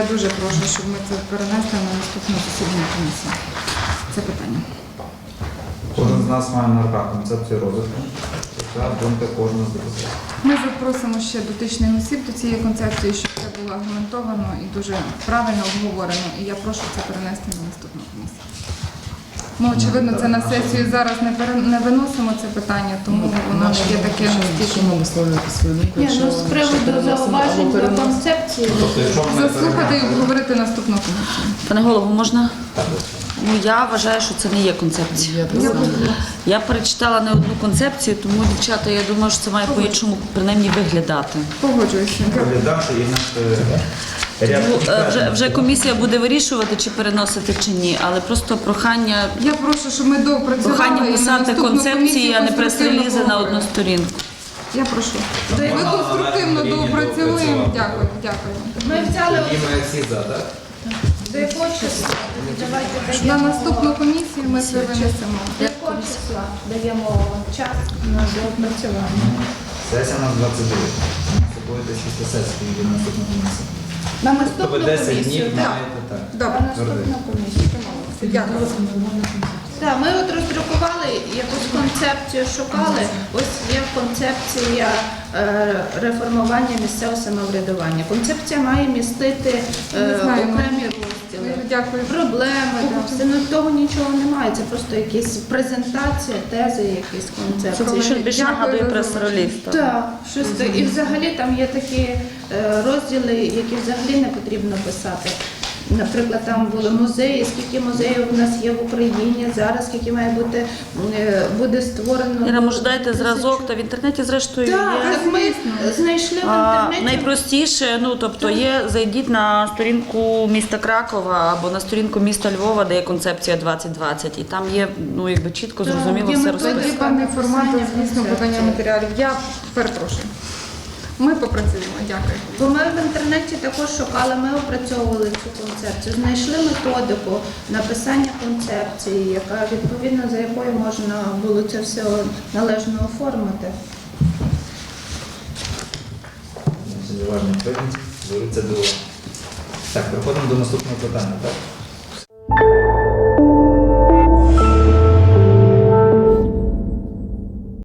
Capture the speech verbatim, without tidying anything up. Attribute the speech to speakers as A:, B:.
A: дуже прошу, щоб ми це перенесли на наступне засідання комісії. Це питання.
B: Кожен з нас має на руках концепцію розвитку. Це думка кожного з депутатів.
A: Ми запросимо ще дотичних осіб до цієї концепції, щоб це було аргументовано і дуже правильно обговорено. І я прошу це перенести на наступну комісію. Ми, очевидно, це на сесію зараз не, пере... не виносимо це питання, тому воно не є таке настільки.
C: Ми висловлювати свою думку.
D: Ні, ну з приводу зауважень до концепції.
B: Тобто, якщо ми
A: Заслухати і обговорити наступну комісію.
E: Пане голово, можна? Ну, я вважаю, що це не є концепція.
C: Я
E: Я перечитала не одну концепцію, тому, дівчата, я думаю, що це має по-іншому принаймні виглядати.
A: Погоджуюся.
B: розглядати і нас ряд
E: Ну, е, вже,
B: експертів.
E: вже комісія буде вирішувати, чи переносити, чи ні, але просто прохання,
A: Я прошу, щоб ми доопрацювали
E: прохання
A: і на
E: писати
A: наступну
E: концепції,
A: комісію
E: а не прес-релізи на
A: конструктивно
E: одну сторінку.
A: Я прошу. Ми конструктивно доопрацюємо. Дякую, дякую.
D: Ми взяли
B: Тоді ми всі за, так?
D: до якого числа? Давайте
A: На
D: даємо
A: наступну комісію ми це винесемо.
D: до якого числа даємо час на доопрацювання.
B: Сесія у нас двадцять дев'ять. Це буде шість сесій від наступної комісії.
D: На
B: Тобто
D: наступну
B: десять
D: комісію.
B: днів
D: Так.
B: маєте так.
D: На
A: Добре.
D: наступну комісію.
A: Дякую.
D: Так, ми от роздрукували якусь концепцію, шукали. Ось є концепція е, реформування місцевого самоврядування. Концепція має містити е,
A: Не знаю, ну,
D: окремі розділи.
A: Дякую.
D: Проблеми, там, все, ну, того нічого немає. Це просто якісь презентація, тези, якісь концепції.
E: Це більше, більше
A: Дякую
E: нагадує
A: за
E: прес-реліз. так.
D: Так, щось так. І взагалі там є такі е, розділи, які взагалі не потрібно писати. Наприклад, там були музеї, скільки музеїв у нас є в Україні зараз, скільки має бути е, буде створено.
E: Іра, може, дайте зразок, та в інтернеті, зрештою,
D: Так,
E: є.
D: так ми знайшли в
E: А,
D: інтернеті.
E: найпростіше, ну тобто є, зайдіть на сторінку міста Кракова або на сторінку міста Львова, де є концепція двадцять двадцять, і там є, ну якби чітко,
D: Так,
E: зрозуміло
D: є
E: все
D: методика.
E: розписано.
A: Тоді певний формат, звісно, подання матеріалів. Я перепрошую. Ми попрацюємо. Дякую.
D: Бо ми в інтернеті також шукали, ми опрацьовували цю концепцію, знайшли методику написання концепції, яка відповідно за якою можна було це все належно оформити.
B: Уважно відповідь. Беруться до... Так, переходимо до наступного питання, так?